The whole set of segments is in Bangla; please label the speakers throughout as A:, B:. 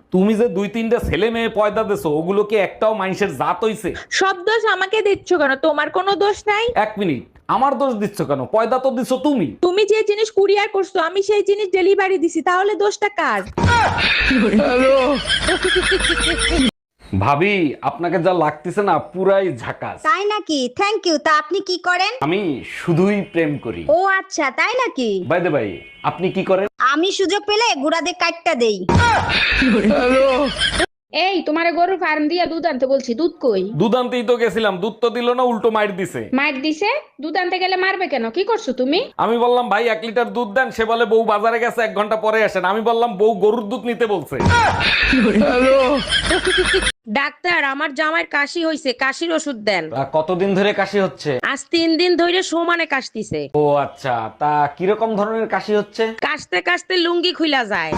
A: তুমি যে 2-3টা ছেলে মেয়ে পয়দা দেছো ওগুলো কি একটাও মানুষের জাত হইছে?
B: সব দোষ আমাকে দিচ্ছ কেন? তোমার কোনো দোষ নাই।
A: এক মিনিট, আমার দোষ দিচ্ছ কেন? পয়দা তো দিছো তুমি।
B: তুমি যে জিনিস কুরিয়ার করছো আমি সেই জিনিস ডেলিভারি দিছি, তাহলে দোষটা কার?
A: ভাবি, আপনাকে যা লাগতেছে না পুরাই ঝাকাস।
C: তাই নাকি? Thank you. তা আপনি কি করেন?
A: আমি শুধুই প্রেম করি।
C: ও আচ্ছা, তাই নাকি?
A: বাই দ্য বাই, আপনি কি করেন?
C: আমি সুযোগ পেলে গুড়াদের কাটটা দেই।
D: এই তোমারে গরুর ফার্ম দিয়া দুধ আনতে বলছি, দুধ কই?
A: দুধ আনতেই তো গেছিলাম, দুধ তো দিল না, উল্টো মাইর দিছে।
D: মার দিছে? দুধ আনতে গেলে মারবে কেন? কি করছো তুমি?
A: আমি বললাম ভাই 1 লিটার দুধ দেন, সে বলে বউ বাজারে গেছে 1 ঘন্টা পরে আসেন। আমি বললাম বউ গরুর দুধ নিতে বলছে।
B: ডাক্তার, আমার জামাইয়ের কাশি হইছে, কাশির ওষুধ দেন।
A: কতদিন ধরে কাশি হচ্ছে?
B: আজ 3 দিন ধরে সমানে কাশতিছে।
A: ও আচ্ছা, তা কিরকম ধরনের কাশি হচ্ছে?
B: কাশতে কাশতে লুঙ্গি খুইলা যায়।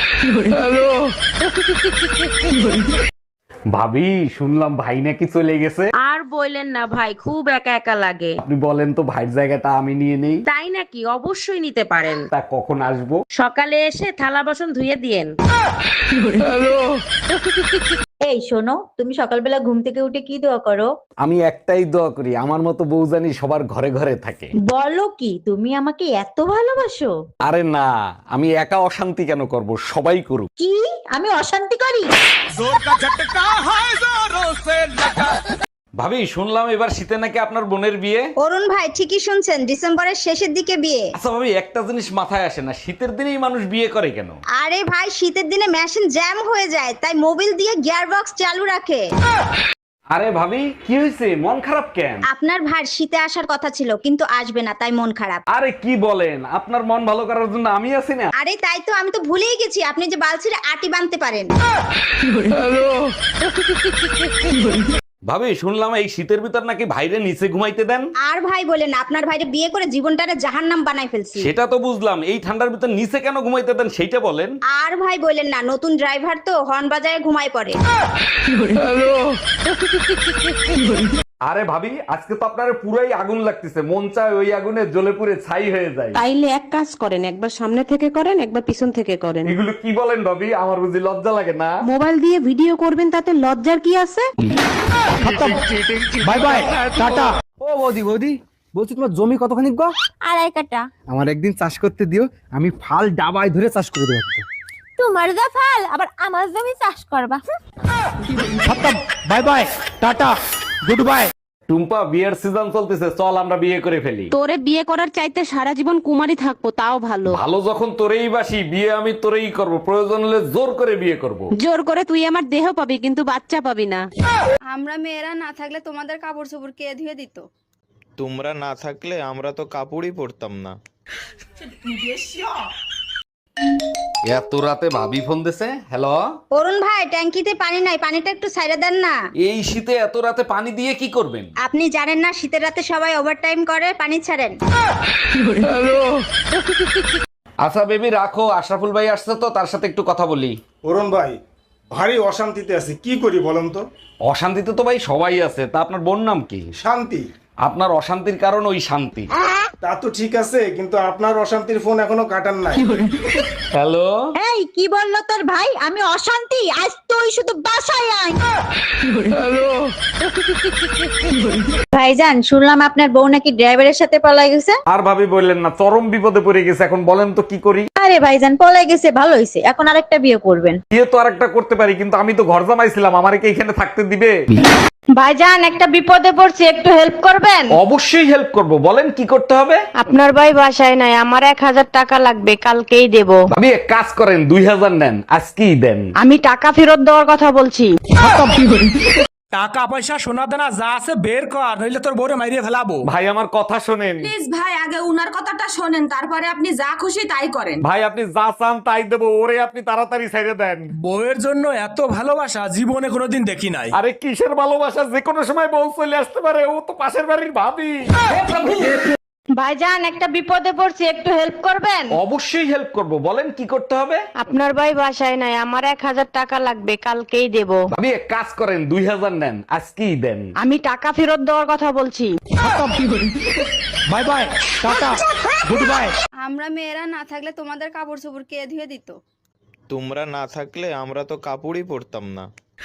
A: ভাবি, শুনলাম ভাই নাকি চলে গেছে।
B: আর বললেন না ভাই, খুব একা একা লাগে।
A: আপনি বলেন তো ভাইয়ের জায়গাটা আমি নিয়ে নেই।
B: তাই নাকি? অবশ্যই নিতে পারেন।
A: তা কখন আসবো?
B: সকালে এসে থালা বাসন ধুয়ে দিয়েন।
C: এই শোনো, তুমি সকালবেলা ঘুম থেকে উঠে কি দোয়া করো?
A: আমি একটাই দোয়া করি, আমার মতো বউ জানি সবার ঘরে ঘরে থাকে।
C: বলো কি, তুমি আমাকে এত ভালোবাসো?
A: আরে না, আমি একা অশান্তি কেন করব, সবাই করুক।
C: কি? আমি অশান্তি করি?
A: ভাবি, শুনলাম এবার শীতে নাকি আপনার বোনের বিয়ে।
C: অরুণ ভাই ঠিকই শুনছেন, ডিসেম্বরের শেষের দিকে বিয়ে।
A: আচ্ছা ভাবি, একটা জিনিস মাথায় আসে না, শীতের দিনেই মানুষ বিয়ে করে কেন?
C: আরে ভাই, শীতের দিনে মেশিন জ্যাম হয়ে যায়, তাই মোবিল দিয়ে গিয়ার বক্স চালু রাখে।
A: আরে ভাবি, কি হয়েছে, মন খারাপ কেন?
C: আপনার ভাই শীতে আসার কথা ছিল কিন্তু আসবে না, তাই মন খারাপ।
A: আরে কি বলেন, আপনার মন ভালো করার জন্য আমি আছি না।
C: আরে তাই তো, আমি তো ভুলেই গেছি আপনি যে বালছিরে আটি বানতে পারেন।
A: ভাবি, শুনলাম এই শীতের ভিতর নাকি ভাইরে নিচে ঘুমাইতে দেন।
C: আর ভাই বলেন, আপনার ভাইরে বিয়ে করে জীবনটারে জাহান্নাম বানাই ফেলছি।
A: সেটা তো বুঝলাম, এই ঠান্ডার ভিতর নিচে কেন ঘুমাইতে দেন সেইটা বলেন।
C: আর ভাই বলেন না, নতুন ড্রাইভার তো হর্ন বাজায় ঘুমায় পড়ে।
A: আরে ভাবি, আজকে তো আপনার পুরাই আগুন লাগতেছে, মন চায় ওই আগুনে জ্বলে পুড়ে ছাই হয়ে যায়।
E: তাইলে এক কাজ করেন, একবার সামনে থেকে করেন, একবার পিছন থেকে করেন।
A: এগুলো কি বলেন ভাবি, আমার বুঝি লজ্জা লাগে না?
E: মোবাইল দিয়ে ভিডিও করবেন, তাতে লজ্জার কি আছে?
F: Bye bye, tata. ও বৌদি, বৌদি বলছি তোমার জমি কতখানি গো?
G: 2.5 কাঠা।
F: আমার একদিন চাষ করতে দিও, আমি ফাল ডাবায় ধরে চাষ করে দেবো।
G: তোমার যা ফাল, আবার আমার জমি চাষ করবা।
F: Bye bye, tata, good bye.
A: Tumpa, বিয়ের সিজন চলতেছে, চল আমরা বিয়ে করে ফেলি।
E: তোরে বিয়ে করার চাইতে সারা জীবন কুমারী থাকবো তাও ভালো।
A: ভালো যখন তোরেই বাসি, বিয়ে আমি তোরেই করব, প্রয়োজন হলে জোর করে বিয়ে করব।
E: জোর করে তুই আমার দেহ পাবি, কিন্তু বাচ্চা পাবি না।
H: আমরা মেয়েরা না থাকলে তোমাদের কাপড় চোপড় কে ধুয়ে দিত?
I: তোমরা না থাকলে আমরা তো কাপড়ই পরতাম না।
A: এত রাতে ভাবি ফোন দিছে। হ্যালো
C: অরুণ ভাই, ট্যাঙ্কিতে পানি নাই, পানিটা একটু সাইডে দেন না।
A: এই শীতে এত রাতে পানি দিয়ে কি করবেন?
C: আপনি জানেন না শীতের রাতে সবাই ওভারটাইম করে, পানি ছাড়েন।
A: আচ্ছা বেবি রাখো, আশরাফুল ভাই আসছে তো, তার সাথে একটু কথা বলি।
J: অরুণ ভাই, ভারী অশান্তিতে আছি, কি করি বলেন তো?
A: অশান্তিতে তো ভাই সবাই আছে, তা আপনার বোন নাম কি?
J: শান্তি।
A: আপনার অশান্তির কারণ ওই শান্তি।
J: তা তো ঠিক আছে, কিন্তু আপনার অশান্তির ফোন এখনো কাটান নাই।
A: হ্যালো,
C: এই কি বললো তোর ভাই? আমি অশান্তি? আজ তুই শুধু বাসায় আয়। ভাইজান, শুনলাম আপনার বউ নাকি ড্রাইভারের সাথে পলাই গেছে।
A: আর ভাবি বললেন না, চরম বিপদে পড়ে গেছে, এখন বলেন তো কি করি?
C: আরে ভাইজান, পলাই গেছে ভালো হয়েছে, এখন আরেকটা বিয়ে করবেন।
A: বিয়ে তো আরেকটা করতে পারি, কিন্তু আমি তো ঘর জামাইছিলাম, আমারে কি এখানে থাকতে দিবে?
C: ভাইজান, একটা বিপদে পড়ছি, একটু হেল্প করবেন?
A: অবশ্যই হেল্প করব, বলেন কি করতে হবে?
E: আপনার ভাই বাসায় নাই, আমার 1000 টাকা লাগবে, কালকেই দেব।
A: ভাবি এক কাজ করেন, 2000 নেন, আজকেই দেন।
E: আমি টাকা ফেরত দেওয়ার কথা বলছি।
F: টাকা পয়সা সোনা দানা যা আছে বের কর, নইলে তোর বউরে মাইরিয়ে ফেলাবো।
A: ভাই আমার কথা শোনেন।
B: প্লিজ ভাই, আগে উনার কথাটা শোনেন, তারপরে আপনি যা খুশি তাই করেন।
A: ভাই আপনি যা চান তাই দেবো, ওরে আপনি তাড়াতাড়ি ছেড়ে দেন।
F: বউয়ের জন্য এত ভালোবাসা জীবনে কোনোদিন দেখি নাই।
A: আরে কিসের ভালোবাসা, যে কোনো সময় বউ চলে আসতে পারে, ও তো পাশের বাড়ির ভাবি।
E: ভাইজান, একটা বিপদে পড়ছি, একটু হেল্প করবেন?
A: অবশ্যই হেল্প করব, বলেন কি করতে হবে?
E: আপনার ভাই বাসায় নাই, আমার 1000 টাকা লাগবে, কালকেই দেব।
A: ভাবি এক কাজ করেন, 2000 নেন, আজকেই দেন।
E: আমি টাকা ফেরত দেওয়ার কথা বলছি।
F: Bye bye, tata, good bye.
H: আমরা মেয়েরা না থাকলে তোমাদের কাপড় চোপড় কে ধুয়ে দিত?
I: তোমরা না থাকলে আমরা তো কাপড়ই পরতাম না।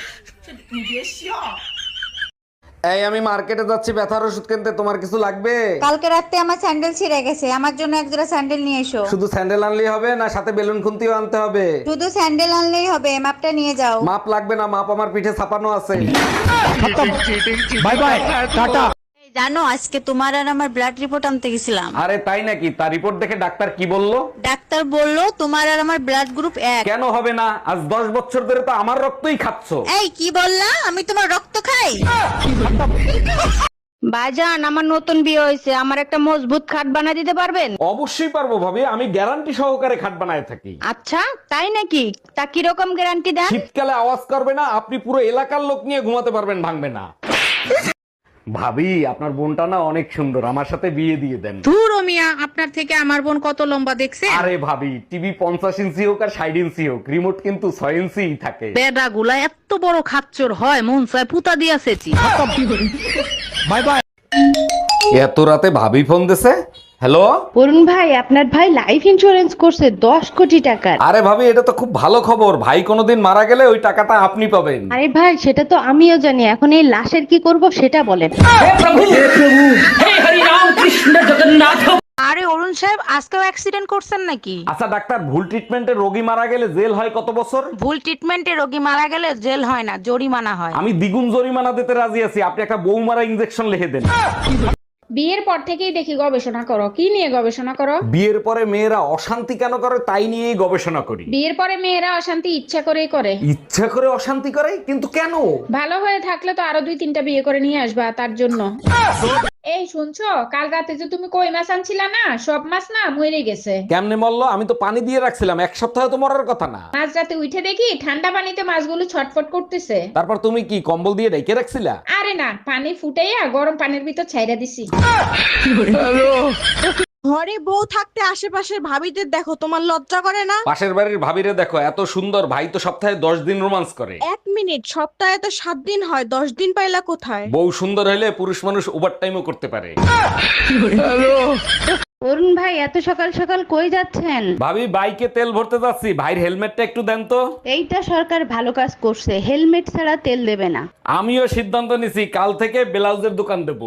A: এই আমি মার্কেটে যাচ্ছি ব্যথার ওষুধ কিনতে, তোমার কিছু লাগবে?
C: কালকে রাতে আমার স্যান্ডেল ছিঁড়ে গেছে, আমার জন্য এক জোড়া স্যান্ডেল নিয়ে এসো।
A: শুধু স্যান্ডেল আনলেই হবে না সাথে বেলুন খুন্তিও আনতে হবে?
C: শুধু স্যান্ডেল আনলেই হবে, মাপটা নিয়ে যাও।
A: মাপ লাগবে না, মাপ আমার পিঠে ছাপানো আছে।
F: Bye bye tata.
C: জানো আজকে তোমার আর আমার ব্লাড রিপোর্ট আনতে গেছিলাম।
A: আরে তাই নাকি? তার রিপোর্ট দেখে ডাক্তার কি বললো?
C: ডাক্তার বললো তোমার আর আমার ব্লাড গ্রুপ এক।
A: কেন হবে না? আজ 10 বছর ধরে তো আমার রক্তই খাচ্ছো।
C: এই কি বললা? আমি তোমার রক্ত খাই?
E: ভাইজান আমার নতুন বিয়ে হয়েছে, আমার একটা মজবুত খাট বানিয়ে দিতে পারবেন?
A: অবশ্যই পারবো ভাবি, আমি গ্যারান্টি সহকারে খাট বানায় থাকি।
E: আচ্ছা তাই নাকি? তা কিরকম গ্যারান্টি দেন?
A: শীতকালে আওয়াজ করবে না, আপনি পুরো এলাকার লোক নিয়ে ঘুমাতে পারবেন, ভাঙবে না। ভাবি আপনার বোনটা না অনেক সুন্দর, আমার সাথে বিয়ে দিয়ে দেন।
B: ধুর ও মিয়া, আপনার থেকে আমার বোন কত লম্বা দেখছে?
A: আরে ভাবি টিভি 50 ইঞ্চি হোক আর 60 ইঞ্চি হোক, রিমোট কিন্তু 6 ইঞ্চি থাকে।
B: বেডা গুলা এত বড় খাচ্চর হয়, মন চায় পুতা দিয়াছেছি।
F: Bye bye.
A: এত রাতে ভাবি ফোন দিছে? হ্যালো
E: অরুণ ভাই, আপনার ভাই লাইফ ইন্সুরেন্স করছে 10 কোটি টাকার।
A: আরে ভাবি এটা তো খুব ভালো খবর, ভাই কোনোদিন মারা গেলে ওই টাকাটা আপনি পাবেন।
E: আরে ভাই সেটা তো আমিও জানি, এখন এই লাশের কি করব সেটা বলেন।
B: আরে অরুণ সাহেব, আজকেও অ্যাক্সিডেন্ট করছেন নাকি?
A: আচ্ছা ডাক্তার, ভুল ট্রিটমেন্টে রোগী মারা গেলে জেল হয় কত বছর?
B: ভুল ট্রিটমেন্টে রোগী মারা গেলে জেল হয় না, জরিমানা হয়।
A: আমি দ্বিগুণ জরিমানা দিতে রাজি আছি, আপনি একটা বউ মারা ইনজেকশন লিখে দেন।
D: বিয়ের পর থেকেই দেখি গবেষণা করো। কি নিয়ে গবেষণা করো?
A: বিয়ের পরে মেয়েরা অশান্তি কেন করে তাই নিয়েই গবেষণা করি।
D: বিয়ের পরে মেয়েরা অশান্তি ইচ্ছা করেই করে।
A: ইচ্ছা করে অশান্তি করে? কিন্তু কেন?
D: ভালো হয়ে থাকলে তো আরো 2-3টা বিয়ে করে নিয়ে আসবা, তার জন্য। এই শুনছো, কাল রাতে যে তুমি কই মাছ আনছিলা না, সব মাছ না মরে গেছে।
A: কেমনে মরলো? আমি তো পানি দিয়ে রাখছিলাম, এক সপ্তাহে তো মরার কথা না।
D: মাঝ রাতে উঠে দেখি ঠান্ডা পানিতে মাছগুলো ছটফট করতেছে।
A: তারপর তুমি কি কম্বল দিয়ে ঢেকে রাখছিলা?
D: আরে না, পানি ফুটাইয়া গরম পানির ভিতর ছাইরা দিছি।
G: ঘরে বউ থাকতে আশেপাশের ভাবিদের দেখো, তোমার লজ্জা করে না?
A: পাশের বাড়ির ভাবিরে দেখো, এত সুন্দর, ভাই তো সপ্তাহে 10 দিন রোমান্স করে।
G: 1 মিনিট, সপ্তাহে তো 7 দিন হয়, 10 দিন পাইলা কোথায়?
A: বউ সুন্দর হলে পুরুষ মানুষ ওভার টাইমও করতে পারে।
E: অরুণ ভাই এত সকাল সকাল কই যাচ্ছেন?
A: ভাবি বাইকে তেল ভরতে যাচ্ছি, ভাইয়ের হেলমেটটা একটু দেন তো।
E: এইটা সরকার ভালো কাজ করছে, হেলমেট ছাড়া তেল দেবে না।
A: আমিও সিদ্ধান্ত নিছি, কাল থেকে ব্লাউজের দোকান দেবো।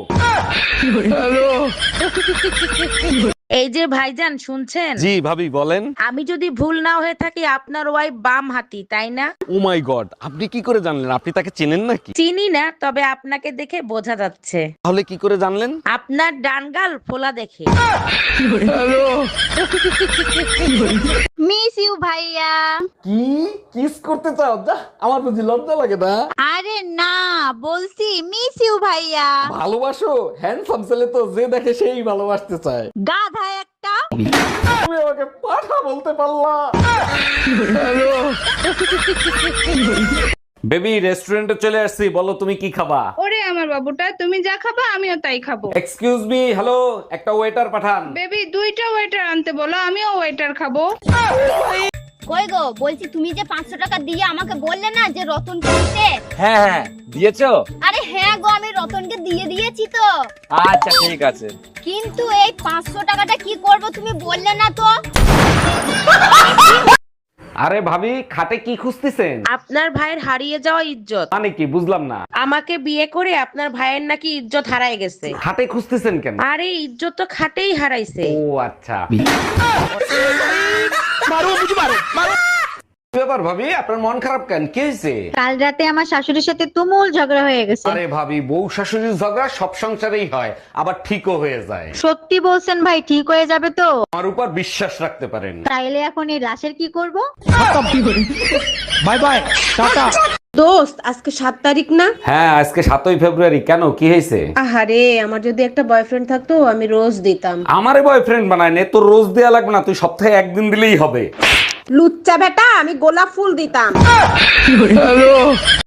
B: এই যে ভাইজান শুনছেন?
A: জি ভাবি বলেন।
B: আমি যদি ভুল না হয়ে থাকি, আপনার ওয়াইফ বাম হাতি, তাই না?
A: ও মাই গড, আপনি কি করে জানলেন? আপনি তাকে চেনেন নাকি?
B: চিনি না, তবে আপনাকে দেখে বোঝা যাচ্ছে।
A: তাহলে কি করে জানলেন?
B: আপনার ডান গাল ফোলা দেখে।
C: মিস ইউ ভাইয়া।
A: কি কিস করতে চাও? যা, আমার বুঝি লজ্জা লাগে না?
C: আরে না, বলছি মিস ইউ ভাইয়া।
A: ভালোবাসো? হ্যান্ডসাম ছেলে তো যে দেখে সেই ভালোবাসতে চায়।
C: গাধা একটা।
A: তুমি আমাকে পাঠা বলতে পারলা? বেবি রেস্টুরেন্টে চলে আসছি, বলো তুমি কি খাবা?
H: ওরে আমার বাবুটা, তুমি যা খাবা আমিও তাই খাবো।
A: এক্সকিউজ মি, হ্যালো, একটা ওয়েটার পাঠান।
H: বেবি 2টা ওয়েটার আনতে বলো, আমিও ওয়েটার খাবো।
G: কই গো, বলছি তুমি যে 500 টাকা দিয়ে আমাকে বললে না যে রতনকে দিতে?
K: হ্যাঁ হ্যাঁ দিয়েছো?
G: আরে হ্যাঁ গো, আমি রতনকে দিয়ে দিয়েছি তো।
K: আচ্ছা ঠিক আছে।
G: কিন্তু এই 500 টাকাটা কি করব তুমি বললে না তো?
A: আরে ভাবি, খাটে কি খুঁজতেছেন?
B: আপনার ভাইয়ের হারিয়ে যাওয়া ইজ্জত।
A: মানে কি বুঝলাম না।
B: আমাকে বিয়ে করে আপনার ভাইয়ের নাকি ইজ্জত হারায় গেছে।
A: খাটে খুঁজতেছেন কেন?
B: আরে ইজ্জত তো খাটেই হারাইছে।
A: ও আচ্ছা। ব্যাপার ভাবি, আপনার মন খারাপ কেন? কি হয়েছে?
C: কাল রাতে আমার শাশুড়ির সাথে তুমুল ঝগড়া হয়ে গেছে।
A: আরে ভাবি, বউ শাশুড়ির ঝগড়া সব সংসারেই হয়, আবার ঠিকও হয়ে যায়।
C: সত্যি বলছেন ভাই, ঠিক হয়ে যাবে তো?
A: আমার উপর বিশ্বাস রাখতে পারেন।
C: তাইলে এখন এই লাশের কি করব?
F: Bye bye tata.
G: দোস্ত, আজকে 7 তারিখ না?
A: হ্যাঁ আজকে 7ই ফেব্রুয়ারি। কেন, কি হয়েছে?
G: আহারে, আমার যদি একটা বয়ফ্রেন্ড থাকতো আমি রোজ দিতাম।
A: আমারে বয়ফ্রেন্ড বানায় নে, তোর রোজ দেয়া লাগবে না, তুই সপ্তাহে 1 দিন দিলেই হবে।
G: লুচ্চা বেটা, আমি গোলাপ ফুল দিতাম।